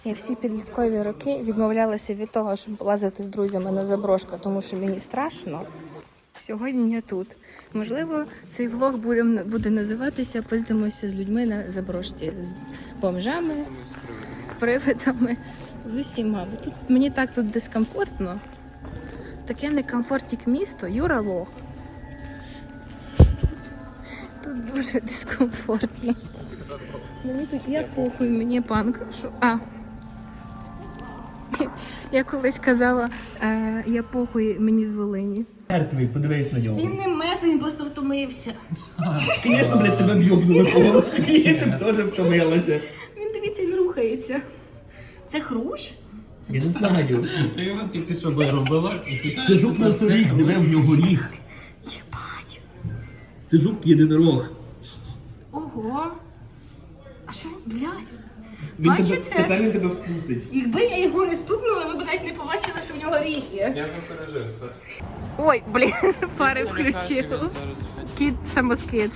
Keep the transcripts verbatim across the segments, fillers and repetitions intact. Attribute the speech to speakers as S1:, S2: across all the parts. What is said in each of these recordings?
S1: Я всі підліткові роки відмовлялася від того, щоб лазити з друзями на заброшку, тому що мені страшно. Сьогодні я тут. Можливо, цей влог буде, буде називатися «Поздимося з людьми на заброшці». З бомжами, з привидами, з усіма. Бо тут, мені так тут дискомфортно. Таке некомфортік місто. Юра лох. Тут дуже дискомфортно. Мені тут я похуй, мені панк. Шо? А. Я колись казала, е, я похуй, мені з Волині.
S2: Мертвий, подивись на нього.
S1: Він не мертвий, він просто втомився.
S2: Звісно, блядь, тебе в'єбнули по голові. І ти б теж втомилася.
S1: Він, дивіться, він рухається. Це хрущ?
S2: Я не знаю.
S3: Ти його тільки що робила.
S2: Це жук носоріг, диви в нього ріг.
S1: Єбать.
S2: Це жук єдинорог.
S1: Ого. А що, блядь?
S2: Він тебе,
S1: Бачите?
S2: тепер він тебе вкусить.
S1: Якби я його не стукнула, ви б навіть не побачили, що в нього ріг є.
S3: Я вже пережив це.
S1: Ой, блін, пари включив. Кіт самоскид.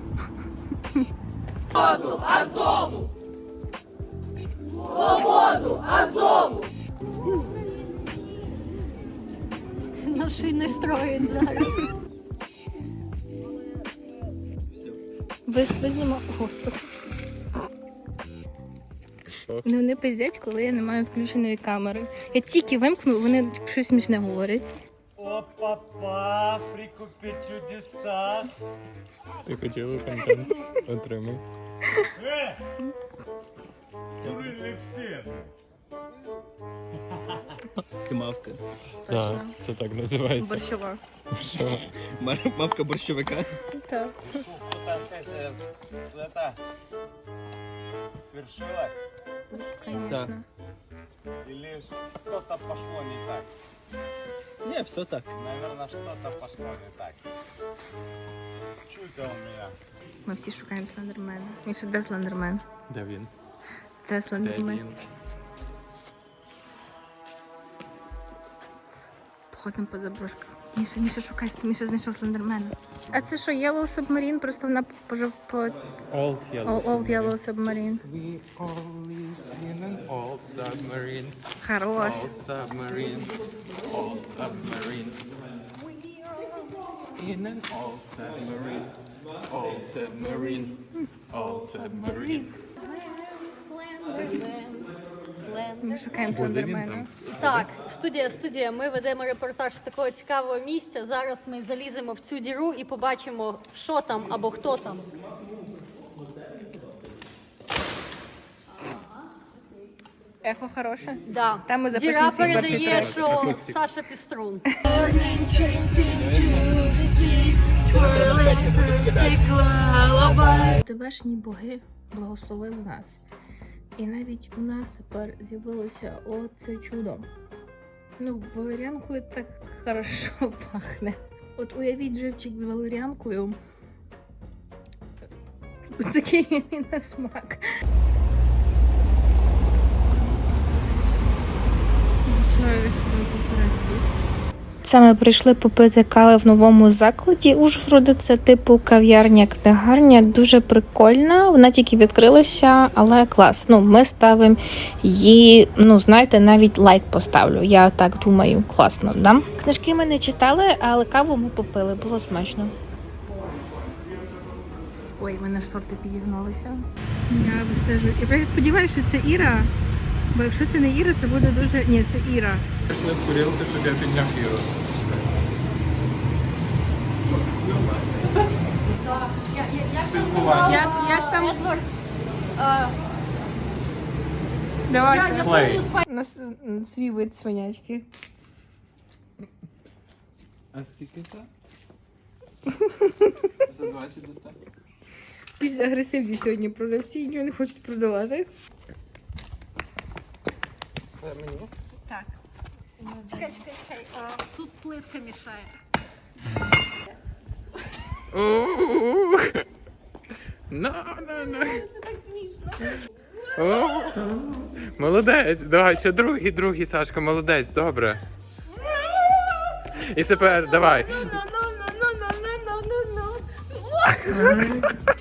S1: Свободу Азову! Свободу Азову!
S4: Машини строять зараз.
S1: Ви знімав... Господи. Ну, вони пиздять, коли я не маю включеної камери. Я тільки вимкну, вони щось смішне говорять.
S5: Опа, па, прикупи чудеса.
S3: Ти хотіла контент? Отримай.
S5: Э! Курили всі.
S2: Ти мавка.
S3: Так, це так називається.
S1: Борщова.
S3: Що?
S2: Мавка борщовика.
S1: Так.
S5: Эта сессия это свершилась?
S1: Конечно.
S5: Или что-то пошло не так?
S2: Ні, все так.
S5: Наверное, что-то пошло не так. Чуйте у меня.
S1: Ми всі шукаємо слендермена. Міша, де слендермен?
S3: Де він?
S1: Де
S3: Де
S1: слендермен?
S3: він?
S1: Походимо по заброшках. Міша, Міша, шукай, Міша знайшов слендермена. А це що, Yellow Submarine? Просто вона пожив по
S3: Old Yellow.
S1: Old Yellow Submarine.
S3: We all live in an old submarine.
S1: Хорош.
S3: Old submarine. Old submarine. In an old submarine. Old submarine. Old submarine.
S1: Ми шукаємо
S3: Буде він
S1: слендермена.
S3: там?
S4: Так, студія, студія. Ми ведемо репортаж з такого цікавого місця. Зараз ми заліземо в цю діру і побачимо, що там або хто там.
S1: Ехо хороше?
S4: Да.
S1: Там ми запишемо
S4: Діра
S1: свій перший
S4: передає,
S1: трек.
S4: що
S3: Акустик.
S4: Саша Піструн.
S1: Тебешні боги благословили нас. І навіть у нас тепер з'явилося оце чудо. Ну, валеріанкою так хорошо пахне. От уявіть живчик з валеріанкою. Такий він на смак. Це ми прийшли попити кави в новому закладі Ужгорода. Це типу кав'ярня-книгарня. Дуже прикольна. Вона тільки відкрилася, але клас. Ну, ми ставимо її, ну, знаєте, навіть лайк поставлю. Я так думаю, класно, да? Книжки ми не читали, але каву ми попили. Було смачно. Ой, в мене шторти підігналися. Я вистежу. Я сподіваюся, що це Іра. Бо якщо це не Іра, це буде дуже... Ні, це Іра.
S3: Не скурілки, щоб я підняв Іру.
S1: Як, як там? Давай.
S3: Слей.
S1: У нас м, свій вид свинячки.
S3: А скільки це? За двадцять достатньо.
S1: Після агресивні сьогодні продавці нічого не хочуть продавати.
S3: Це мені?
S1: Так.
S4: Чекай, чекай, чекай. А, тут пливка мішає.
S3: No, no, no. Це так смішно. Молодець, давай, ще другий, другий, Сашка, молодець, добре. І тепер, давай.
S4: Ну, ну, ну, ну, ну, ну, ну, ну, ну.